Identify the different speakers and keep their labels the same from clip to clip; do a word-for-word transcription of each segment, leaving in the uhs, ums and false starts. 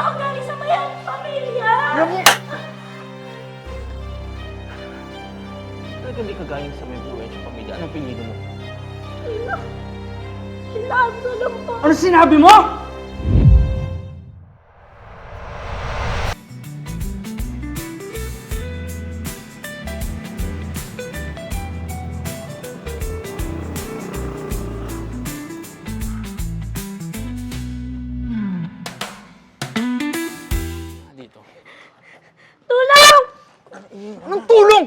Speaker 1: ako galing sa mayang pamilya.
Speaker 2: Naku!
Speaker 3: Talaga hindi ka galing sa may buhay sa pamilya. Anong pinili mo?
Speaker 1: Sila. Sila ang lang po.
Speaker 2: Ano sinabi mo?
Speaker 3: Dito.
Speaker 1: Tulong!
Speaker 2: Anong tulong?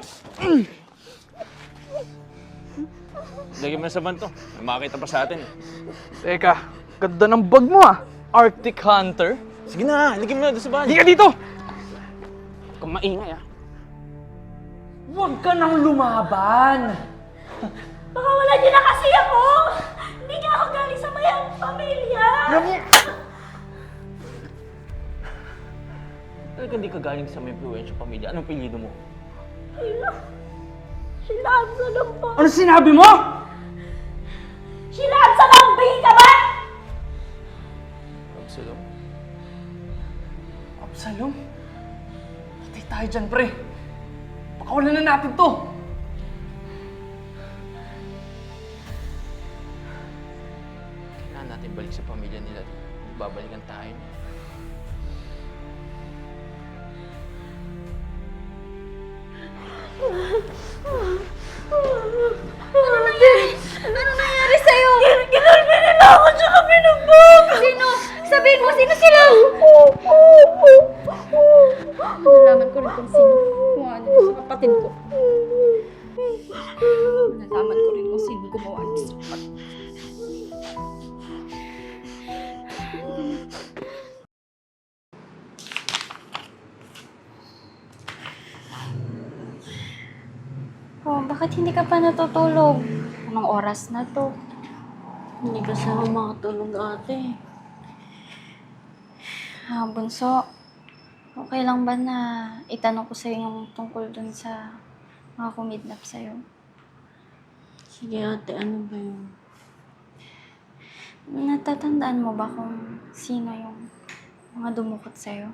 Speaker 3: Lagyan mo na sa banto. May makakita pa sa atin.
Speaker 2: Teka, ganda ng bag mo ah.
Speaker 3: Arctic Hunter? Sige na, lagyan mo na doon sa bahay.
Speaker 2: Hindi ka dito!
Speaker 3: Huwag kang maingay ah.
Speaker 2: Huwag ka nang lumaban!
Speaker 1: Baka wala niyo na kasi ako. Hindi nga ako galing sa mayang pamilya.
Speaker 2: Naku!
Speaker 3: Talaga hindi ka galing sa may buhay sa pamilya. Anong pinili mo?
Speaker 1: Sila. Sila ang lang po.
Speaker 2: Ano sinabi mo?
Speaker 1: Sila ang salambing ka ba?
Speaker 3: Absalom?
Speaker 2: Absalom? Patay tayo dyan, pre. Pakawalan na natin to.
Speaker 3: Kailangan natin balik sa pamilya nila. Babalikan tayo.
Speaker 1: Ano nangyari? Ano nangyari sa'yo? Ginulpi nila ako tsaka binugbog! Sino? Sabihin mo, sino sila? Nalaman ko rin kung sino. Gumawa nito sa kapatid ko. Nalaman ko rin kung sino gumawa nito sa kapatid ko. Oh, bakit hindi ka pa natutulog? Anong oras na to?
Speaker 4: Hindi kasi ako makatulog, ate.
Speaker 1: Ah, bunso, okay lang ba na itanong ko sa'yo yung tungkol dun sa mga kumidnap sa'yo?
Speaker 4: Sige, ate, ano ba yun?
Speaker 1: Natatandaan mo ba kung sino yung mga dumukot sa'yo?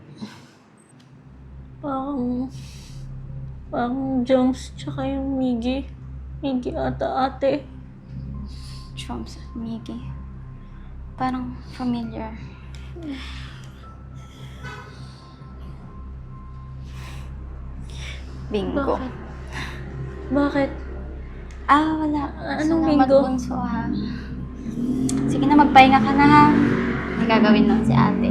Speaker 4: Parang... Parang Jones tsaka yung Miggy. Miggy ata, ate.
Speaker 1: Chomps at Miggy. Parang familiar. Bingo.
Speaker 4: Bakit? Bakit?
Speaker 1: Ah, wala.
Speaker 4: Anong
Speaker 1: Salamat,
Speaker 4: bingo?
Speaker 1: bunso, ha? Sige na, magpahinga ka na, ha? May gagawin lang si ate.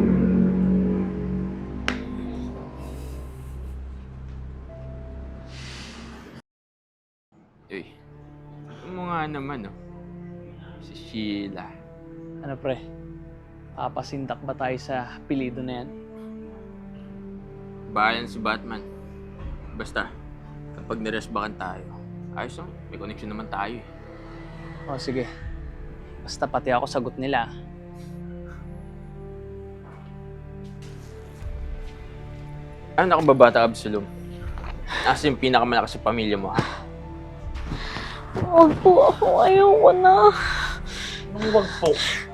Speaker 3: Uy, ano mo nga naman, oh. Si Sheila.
Speaker 2: Ano pre? Papasindak ba tayo sa apelido na yan?
Speaker 3: Bayan si Batman. Basta, kapag niresbakan tayo, ayos lang. May connection naman tayo, eh.
Speaker 2: O sige. Basta pati ako sagot nila.
Speaker 3: Ano ka ba bata, Absalom? Asa yung pinakamalakas sa pamilya mo?
Speaker 4: Huwag po ako. Ayoko na.
Speaker 3: Anong wag po?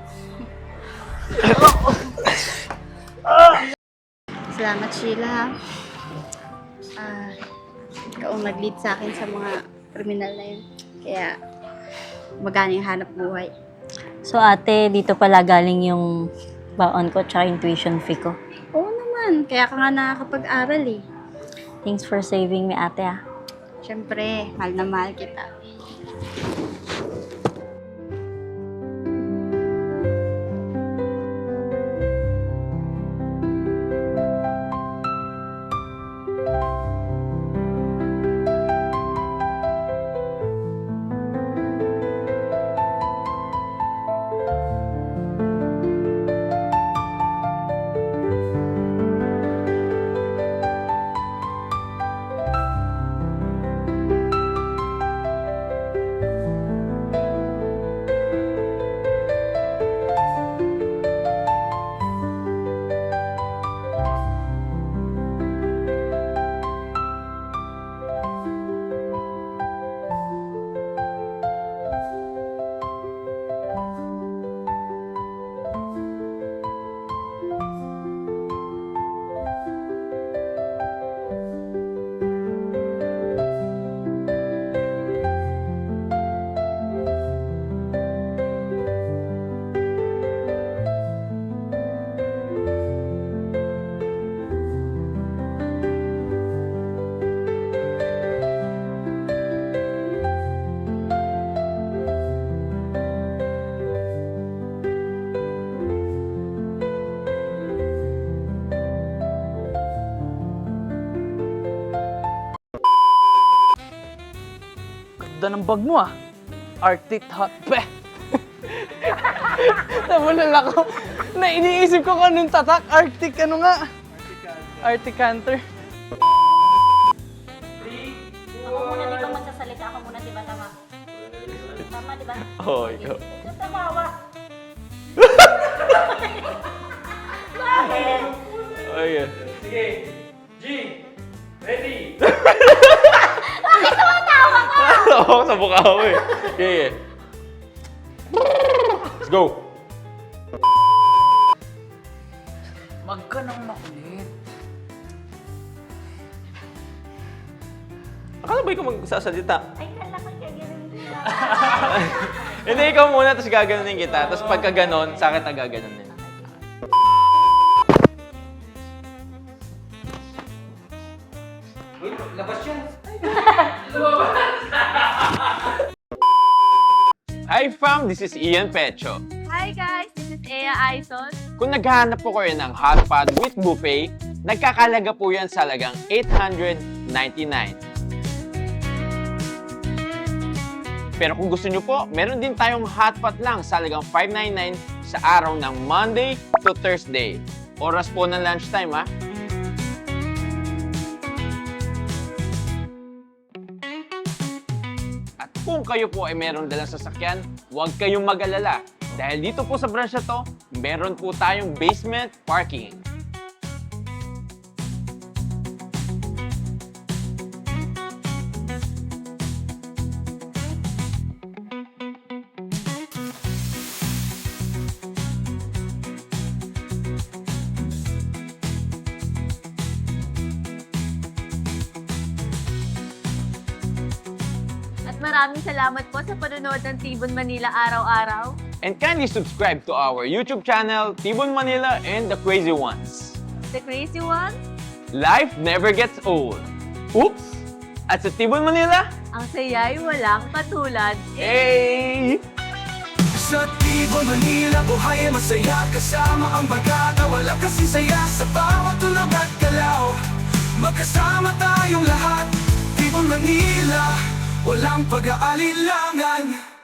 Speaker 1: Salamat, Sheila, ha? Ah, ikaw ang nag-lead sa akin sa mga kriminal na yun. Kaya, magana yung hanap buhay.
Speaker 4: So, ate, dito pala galing yung baon ko tsaka yung tuition fee ko.
Speaker 1: Oo naman. Kaya ka nga nakakapag-aral, eh.
Speaker 4: Thanks for saving me, ate, ah.
Speaker 1: Siyempre, mahal na mahal kita.
Speaker 2: Ganda ng bag mo ah. Arctic Hot... Beh! Nabulol ako. Na iniisip ko kung anong tatak. Arctic ano nga? Arctic Hunter.
Speaker 4: Ako muna, di ba magsasalita? Ako muna, di ba? Tama. Tama, di ba?
Speaker 3: Oo, oh, ikaw.
Speaker 4: Tamawa.
Speaker 3: Okay.
Speaker 2: Sige. G! Ready!
Speaker 3: Oo, sa mukha ko eh. Okay, let's go.
Speaker 2: Wag ka nang makulit.
Speaker 3: Akala ba ikaw magsasalita?
Speaker 4: Ay, kala ko kaya ganun nila.
Speaker 3: Hindi, ikaw muna, tapos gaganunin kita. Tapos pagka ganon, sa akin na gaganunin.
Speaker 2: Labas yan.
Speaker 3: Hi fam, this is Ian Pecho.
Speaker 1: Hi guys, this is Ea Aizon.
Speaker 3: Kung naghahanap po kayo ng hot pot with buffet, nagkakalaga po yan sa halagang eight hundred ninety-nine. Pero kung gusto nyo po, meron din tayong hot pot lang sa halagang five ninety-nine sa araw ng Monday to Thursday. Oras po ng lunchtime ha. At kung kayo po ay meron dalang sasakyan, huwag kayong mag-alala. Dahil dito po sa branch na to, meron po tayong basement parking.
Speaker 5: At maraming salamat po sa panonood ng Tibon Manila araw-araw.
Speaker 3: And kindly subscribe to our YouTube channel, Tibon Manila and The Crazy Ones.
Speaker 5: The Crazy One,
Speaker 3: Life never gets old. Oops! At sa Tibon Manila,
Speaker 5: ang saya'y walang katulad.
Speaker 3: hey!
Speaker 6: Sa Tibon, Manila, buhay ay masaya. Kasama ang bagata, wala kasi saya. Sa bawat tulog at galaw, magkasama tayong lahat. Tibon, Manila, walang pag-aalilangan.